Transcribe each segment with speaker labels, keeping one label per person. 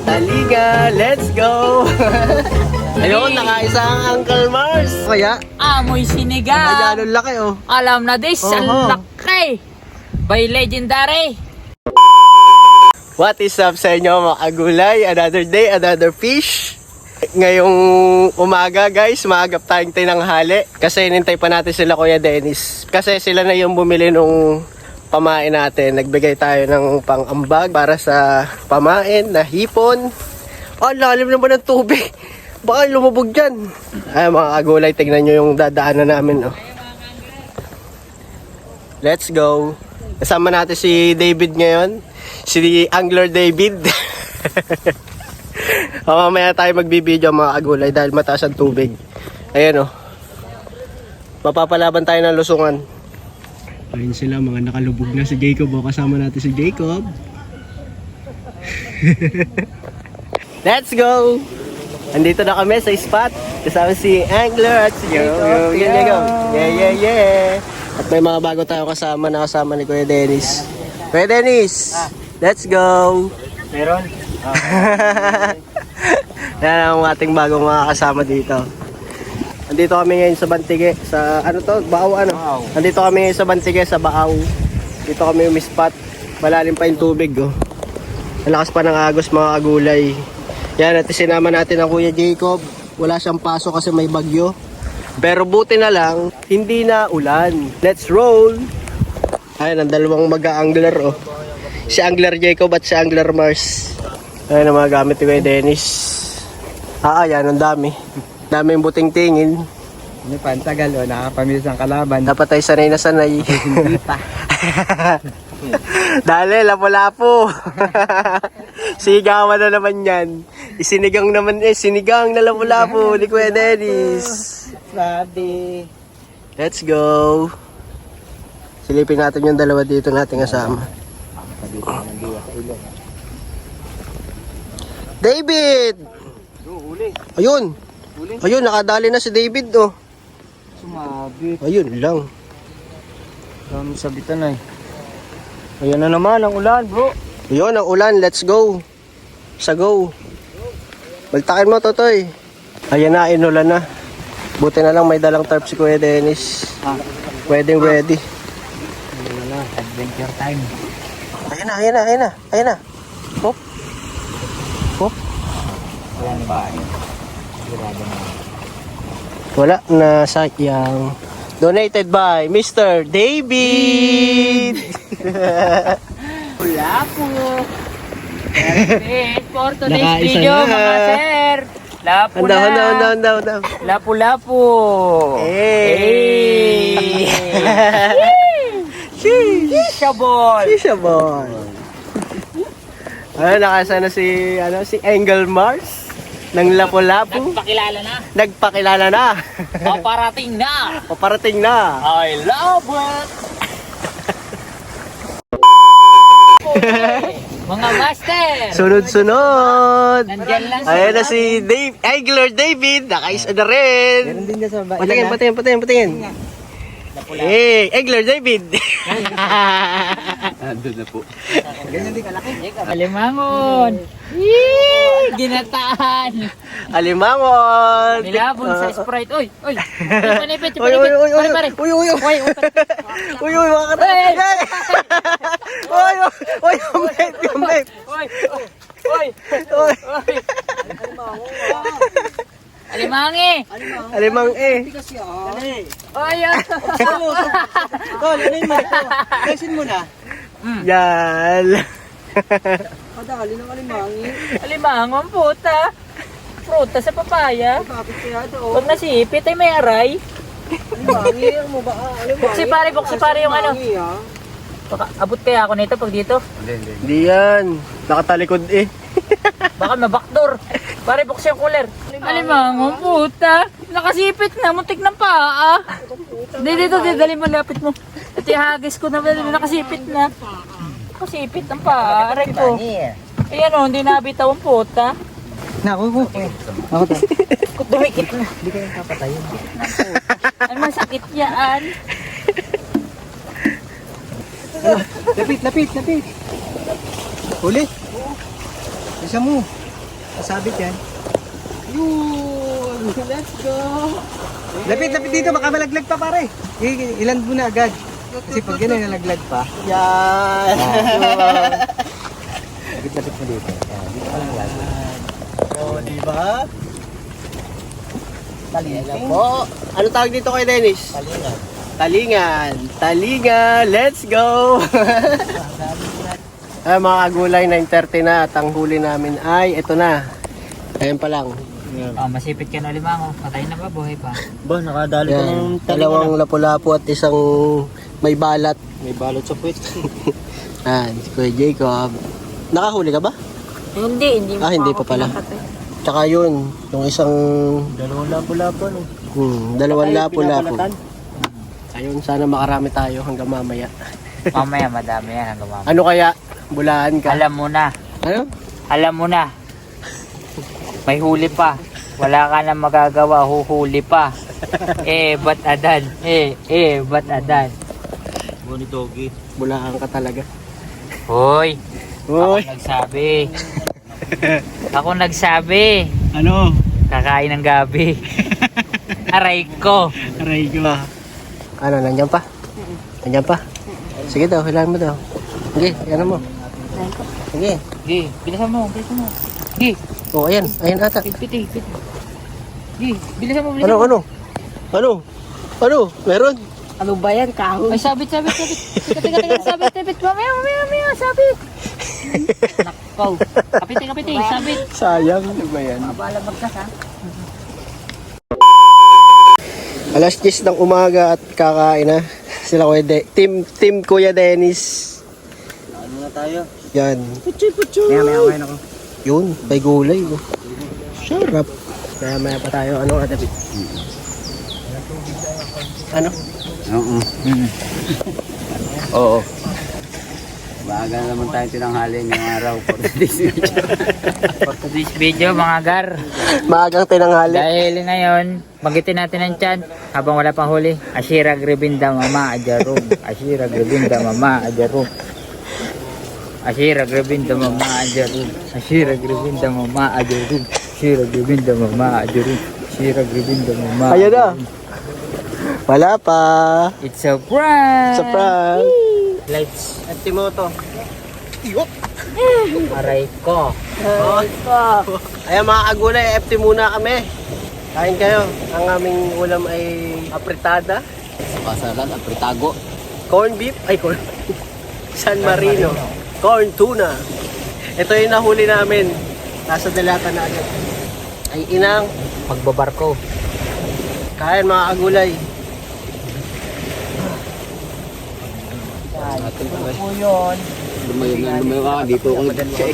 Speaker 1: Halika, let's go! Ayun, nakaisang Uncle Mars. Kaya,
Speaker 2: Amoy sinigang.
Speaker 1: kaya anong laki oh.
Speaker 2: Alam na this, ang laki. By Legendary.
Speaker 1: What is up sa inyo mga kagulay? Another day, another fish. Ngayong umaga guys, maagap tayong tinanghali. Kasi inintay pa natin sila Kuya Dennis. Kasi sila na yung bumili nung pamain natin. Nagbigay tayo ng pang-ambag para sa pamain na hipon. Oh, lalim naman ng tubig. Baka lumubog dyan. Ay mga kagulay, tignan nyo yung dadaanan namin. Oh. Let's go. Kasama natin si David ngayon. Si Angler David. Mamaya tayo magbibideo mga kagulay dahil mataas ang tubig. Ayan oh. Mapapalaban tayo ng lusungan. Ayun sila, mga nakalubog na si Jacob. O, kasama natin si Jacob. Let's go! Andito na kami sa spot. Kasama si Angler at si Jacob. Yeah. At may mga bago tayong kasama na kasama ni Kuya Dennis. Kuya Dennis! Let's go!
Speaker 3: Meron?
Speaker 1: Yan ang ating bagong mga kasama dito. Andito kami ngayon sa Bantige, sa ano to? Baaw ano?
Speaker 3: Baaw.
Speaker 1: Andito kami ngayon sa Bantige, sa Baaw. Dito kami umispot. Malalim pa yung tubig oh. Ang lakas pa ng agos mga agulay. Yan, at sinama natin ang Kuya Jacob. Wala siyang paso kasi may bagyo. Pero buti na lang, hindi na ulan. Let's roll! Ayun, ang dalawang mag-angler oh. Si Angler Jacob at si Angler Mars. Ayun ang mga gamit ni Kuya Dennis. Yan, ang dami. Daming buting tingin.
Speaker 3: Hindi pa, ang tagal o, nakapamilis ang kalaban.
Speaker 1: Dapat ay sanay na sanay.
Speaker 3: Hindi pa.
Speaker 1: Dali, lapo-lapo. Sigawan na naman yan. Isinigang naman sinigang na lapo-lapo ni Kuya Dennis.
Speaker 3: Sabi.
Speaker 1: Let's go. Silipin natin yung dalawa dito nating kasama. David! Ayun. Ayun, nakadali na si David oh.
Speaker 3: Sumabit.
Speaker 1: Ayun lang.
Speaker 3: Kami sabitan na eh. Ayan na naman ang ulan bro.
Speaker 1: Ayun, ang ulan. Let's go. Sa go. Baltakin mo, Totoy. Ayan na, inulan na. Buti na lang may dalang tarp si Kuya Dennis. Pwedeng ready.
Speaker 3: Ayan na, adventure time.
Speaker 1: Ayan na. Hop. Hop.
Speaker 3: Wala na ba? Sigurado na.
Speaker 1: Wala na, sayang. Donated by Mr. David.
Speaker 2: Wala po. Perfect for today's
Speaker 1: Nakaisa
Speaker 2: video
Speaker 1: na.
Speaker 2: mga sir. Lapo na.
Speaker 1: Handa.
Speaker 2: Lapu-lapu.
Speaker 1: Hey.
Speaker 2: Shabol.
Speaker 1: Sishabon. Nakasana si Angel Mars ng Lapu-Lapu.
Speaker 2: Nagpakilala na.
Speaker 1: Nagpakilala na.
Speaker 2: Paparating na.
Speaker 1: Paparating na.
Speaker 2: I love it. Mga master.
Speaker 1: Sunod-sunod.
Speaker 2: Nandyan lang
Speaker 1: Ayan na si Angler David. Nakaisa na rin.
Speaker 3: Meron din dyan sa bahay.
Speaker 1: Patingin. Hey, Angler David.
Speaker 3: Andun na po. Ganyan din kalaki.
Speaker 2: Alimangon. Yee! Ginataan.
Speaker 1: Alimangon.
Speaker 2: Nilabon sa Sprite. Oy. Panipit.
Speaker 1: Uy, mga katay. Yung vape.
Speaker 2: Oy. Alimangi.
Speaker 1: Alimang
Speaker 2: Oy.
Speaker 3: Kasin mo na.
Speaker 1: Yan.
Speaker 3: Kadali ng alimangi.
Speaker 2: Alimangon puta. Fruta sa papaya.
Speaker 3: Bakit kaya doon?
Speaker 2: Huwag nasipit ay may aray.
Speaker 3: Alimangi, mo ba? Alimangi.
Speaker 2: Buksi pare yung ano. Baka abot kaya ako nito pag dito.
Speaker 1: Hindi yan. Nakatalikod eh.
Speaker 2: Baka mabakdor. Pare buksi yung cooler. Alimangon puta. Nakasipit na, muntik ng paa. Dito, dali mo, lapit mo. Ito yung hagis ko na, nakasipit na. Nakasipit ng paa, aray ko. Ayan o, hindi nabitaw ang puta.
Speaker 3: Naku. Ako to.
Speaker 2: Dumikit na.
Speaker 3: Hindi kayo kapatayin.
Speaker 2: Ay, masakit yan.
Speaker 3: Lapit. Huli. Isa mo.
Speaker 1: Sasabit yan. Yun! Let's go! Lapit dito, baka malaglag pa pare. Ilan mo na agad. Kasi pag yan ay nalaglag pa. Yan! Lapit mo dito. Dito ka lang lagi. Oo, diba? Talingan po. Ano tawag dito kay Dennis? Talingan. Let's go! Ay, mga kagulay, 9:30 na at ang huli namin ay ito na. Ayan pa lang.
Speaker 2: Masipit ka na limango. Patay na ba? Buhay pa?
Speaker 3: Ba, nakadali ko ng
Speaker 1: Yan, dalawang lapu-lapu at isang may balat.
Speaker 3: May balot sa puwet.
Speaker 1: Si Kuya Jacob. Nakahuli ka ba?
Speaker 2: Hindi
Speaker 1: Hindi pa pala. Tsaka yun, yung isang
Speaker 3: Dalawang lapo-lapo, no?
Speaker 1: dalawang lapu-lapu. Ayun, sana makarami tayo hanggang mamaya.
Speaker 2: Mamaya madami yan hanggang mamaya.
Speaker 1: Ano kaya? Bulaan ka?
Speaker 2: Alam mo na.
Speaker 1: Ano?
Speaker 2: Alam mo na. May huli pa. Wala ka na magagawa, huhuli pa. Ba't adan? Ba't adan?
Speaker 3: Buni doggy.
Speaker 1: Bulaan ka talaga.
Speaker 2: Hoy!
Speaker 1: Uy!
Speaker 2: Ako nagsabi.
Speaker 1: Ano?
Speaker 2: Kakain ng gabi. Aray ko.
Speaker 1: Aray ko. Ano, nandiyan pa? Nandiyan pa? Sige daw, kailangan mo daw. Sige, ano mo? Sige.
Speaker 2: Gi, bilisan mo. Gi,
Speaker 1: Oh, ayan ata.
Speaker 2: piti. Gi, bilisan mo.
Speaker 1: Ano? Meron?
Speaker 4: Ano ba yan? Kahoy?
Speaker 2: Ay, sabit. Teka, sabit. Mamaya, sabit. Nakaw. Kapiti, sabit.
Speaker 1: Sayang. Ano ba yan?
Speaker 4: Abala magkas ha?
Speaker 1: Alas 10 ng umaga at kakain na. Sila Team Kuya Dennis.
Speaker 3: Ano na tayo?
Speaker 1: Yan.
Speaker 4: Putsoy. Maya kain ako.
Speaker 1: Yun, may gulay. Oh. Sarap. Maya pa tayo. Ano ka, David? Ano?
Speaker 3: Oo. Oo. Baga naman tayo tinanghali ngayong araw for
Speaker 2: For today's video, mga gar.
Speaker 1: Maagang tinanghali.
Speaker 2: Dahil ngayon, magitin natin ang tiyan habang wala pang huli. Ashira Grebinda Mama Ajarum. Ashira Grebinda Mama Ajarum. Ashira Grebinda Mama Ajarum. Ashira Grebinda Mama Ajarum. Ashira Grebinda Mama Ajarum. Ashira Grebinda Mama.
Speaker 1: Ayan na. Wala pa.
Speaker 2: It's a prank.
Speaker 1: Sa prank.
Speaker 2: Lights.
Speaker 1: At Timoto.
Speaker 2: Aray ko.
Speaker 1: Ayan mga kagulay, FT muna kami. Kain kayo. Ang aming ulam ay apritada,
Speaker 3: Pasalan, apritago.
Speaker 1: corn beef, San Marino, corn tuna. Ito yung nahuli namin. Nasa dalata na agad. Ay inang,
Speaker 2: Magbabarko.
Speaker 1: kain mga kagulay.
Speaker 3: Lumayo ka, dito ako nag-check.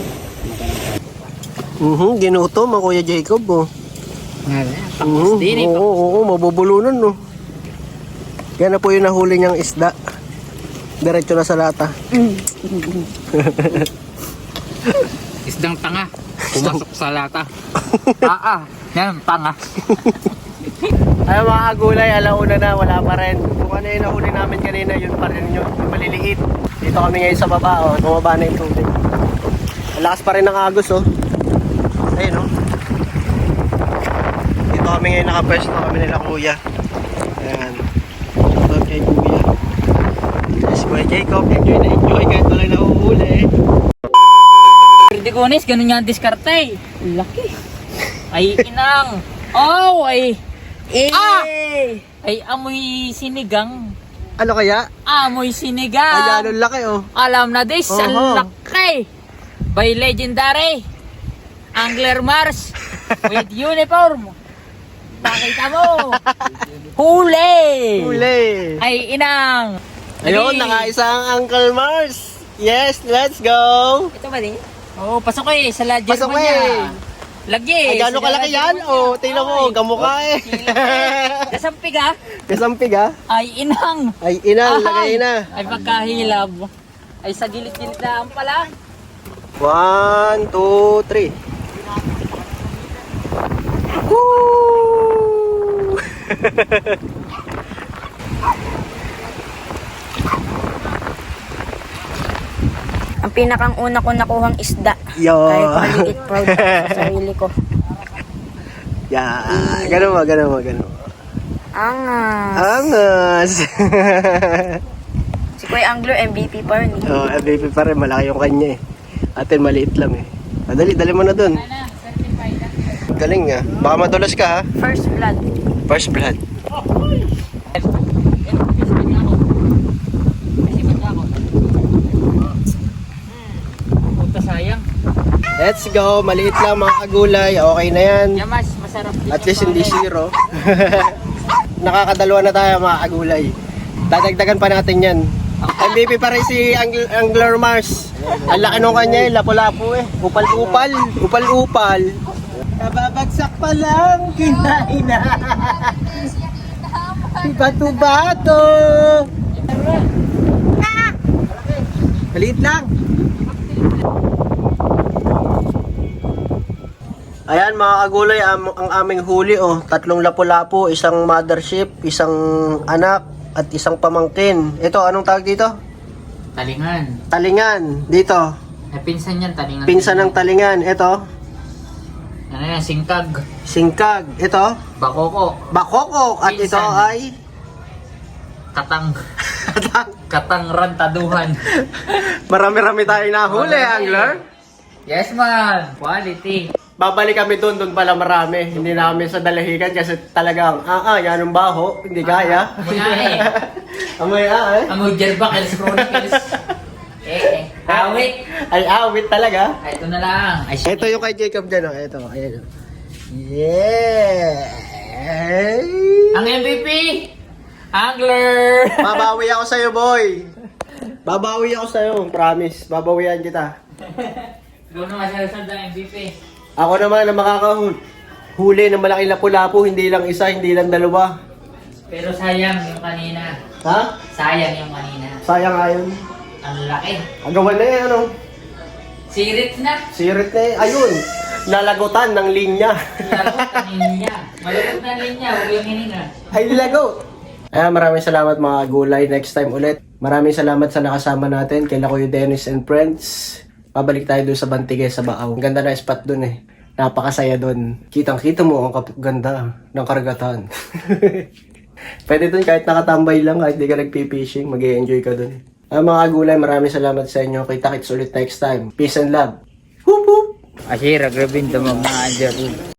Speaker 1: Ginutom ang Kuya Jacob. Oh.
Speaker 2: Pakos din eh.
Speaker 1: Oo, mabubulunan no. Yan na po yung nahuli niyang isda. Diretso na sa lata.
Speaker 2: Isdang tanga. Pumasok sa lata. Yan, tanga.
Speaker 1: Ay mga kagulay, alauna na, wala pa rin. Kung ano yung nahuli namin kanina, yun pa rin yun, yung maliliit. Dito kami ngayon sa baba, oh. Tumaba na yung tubig. Ang lakas pa rin ng agos, oh. Ayun, oh. Dito kami ngayon nakapwesto kami nila kuya. Ayan. Ito kay kuya. Yes, Kuya Jacob, enjoy na enjoy kahit wala nahuhuli.
Speaker 2: Pwede kunis, ganun nga ang diskarte. Laki. Ay, inang. Oh, ay. Ay, amoy sinigang.
Speaker 1: Ano kaya?
Speaker 2: Amoy sinigang.
Speaker 1: Ayan, ang laki, oh.
Speaker 2: Alam na this, ang
Speaker 1: Oho.
Speaker 2: laki. By legendary. Angler Mars. With uniform. Pakita mo. Huli.
Speaker 1: Huli.
Speaker 2: Ay, inang.
Speaker 1: Ayun,
Speaker 2: Dali.
Speaker 1: nakaisang Uncle Mars. Yes, let's go.
Speaker 4: Ito ba din?
Speaker 2: Oh, pasok eh. Sa ladyan
Speaker 1: Pasok
Speaker 2: mo niya.
Speaker 1: eh.
Speaker 2: Lagi.
Speaker 1: Ay, gano'ng kalaki yan? Oh, tingnan mo, gamukha eh.
Speaker 2: Kasampig ah.
Speaker 1: Kasampig ah.
Speaker 2: Ay, inang.
Speaker 1: Ay, inang, lagay na.
Speaker 2: Ay, pagkahilab. Ay, sa gilid-gilid na pala.
Speaker 1: 1, 2, 3. Woo!
Speaker 4: pinakang una ko nakuhang isda.
Speaker 1: Yo.
Speaker 4: Kaya ko maliit proud ako sa sarili ko.
Speaker 1: Yeah. Ganun mo.
Speaker 4: Angas.
Speaker 1: Angas.
Speaker 4: Si Kuya Angler, MVP pa rin.
Speaker 1: Oh, MVP pa rin. Malaki yung kanya eh. Atin maliit lang eh. Dali mo na dun. Galing nga. Baka madulas ka ha.
Speaker 4: First blood.
Speaker 1: First blood.
Speaker 2: Puta sayang.
Speaker 1: Let's go. Maliit lang mga kagulay. Okay na yan.
Speaker 2: Yamas, masarap din.
Speaker 1: At least hindi zero. Nakakadalawa na tayo mga kagulay. Dadagdagan pa natin yan. MVP pa rin si Angler Mars. Ang laki nung kanya eh, lapu-lapu eh. Upal-upal. Nababagsak pa lang, kinain na. Bato-bato. Maliit lang. Ayan mga kagulay, ang aming huli oh. 3 lapu-lapu, isang mothership, isang anak, at isang pamangkin. Ito, anong tawag dito?
Speaker 2: Talingan.
Speaker 1: Talingan. Dito.
Speaker 2: Pinsan yan, talingan.
Speaker 1: Pinsan ng talingan. Ito.
Speaker 2: Ano yan, singkag.
Speaker 1: Singkag. Ito.
Speaker 2: Bakoko.
Speaker 1: Bakoko. At ito
Speaker 2: Pinsan.
Speaker 1: ay...
Speaker 2: Katang. Katang rantaduhan.
Speaker 1: Marami-rami tayo nahuli, Angler.
Speaker 2: Yes man, quality.
Speaker 1: Babalik kami doon pala marami. Hindi na kami sa dalahigan kasi talagang, yan ang baho. Hindi kaya.
Speaker 2: Amoy ahe.
Speaker 1: Amoy
Speaker 2: Amoy Jerbakels Chronicles. Awit.
Speaker 1: Ay, awit talaga.
Speaker 2: Ay, ito na lang. Ay, shit.
Speaker 1: Ito yung kay Jacob dyan, oh. Ito, ayan. Oh. Yeah!
Speaker 2: Ang MVP, Angler.
Speaker 1: Babawi ako sa'yo, boy. Babawi ako sa'yo, promise. Babawian kita.
Speaker 2: Ikaw naman sinasad ang MVP.
Speaker 1: Ako naman ang makakahuli ng malaking lapu-lapu, hindi lang isa, hindi lang dalawa.
Speaker 2: Pero sayang yung kanina.
Speaker 1: Ha?
Speaker 2: Sayang yung kanina.
Speaker 1: Sayang ayon.
Speaker 2: Ang laki.
Speaker 1: Agawan na yan, ano?
Speaker 2: Sirit na.
Speaker 1: Sirit na yan. Ayun, lalagutan ng linya.
Speaker 2: Lagot ang linya. Malagot na linya. Huwag yung hininga.
Speaker 1: Ay, lagot. Maraming salamat mga gulay. Next time ulit. Maraming salamat sa nakasama natin kay Kuya Dennis and Friends. Pabalik tayo doon sa Bantigay sa Baaw. Ang ganda na spot doon eh. Napakasaya doon. Kitang-kita mo ang ganda ng karagatan. Pwede doon kahit nakatambay lang, kahit di ka nagpipishing, mag-i-enjoy ka doon. Mga gulay, maraming salamat sa inyo. Kita-kits ulit next time. Peace and love. Whoop whoop!
Speaker 2: Asira, grabe yung damang na